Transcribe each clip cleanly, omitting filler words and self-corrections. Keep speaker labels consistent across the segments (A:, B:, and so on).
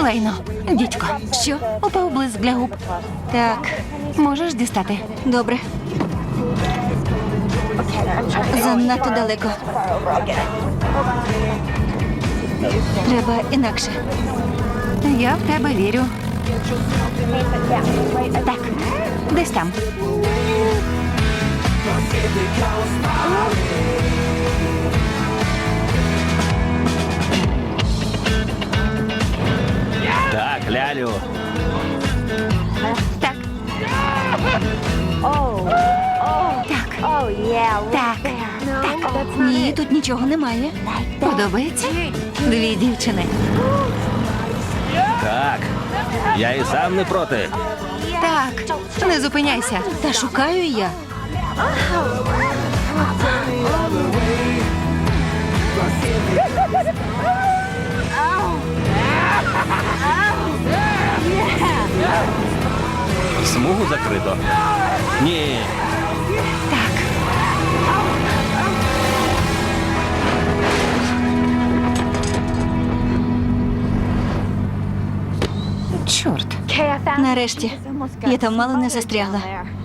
A: Лайно, дідько.
B: Що?
A: Упав блиск для губ.
B: Так,
A: Можеш дістати?
B: добре. Занадто далеко. Треба інакше.
A: Я в тебе вірю. Так, десь там.
C: Так, лялю.
A: Так. Так. Так.
B: Ні, тут нічого немає.
A: Подобається? Дві дівчини.
C: Так. Я і сам не проти.
A: Так. Не зупиняйся.
B: Та шукаю я.
C: Смугу закрито. Ні.
A: Так. Чорт.
B: Нарешті. Я там мало не застрягла.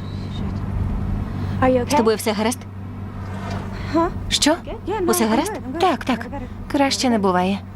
B: З тобою все гаразд?
A: Що?
B: Усе гаразд?
A: Так, так. Краще не буває.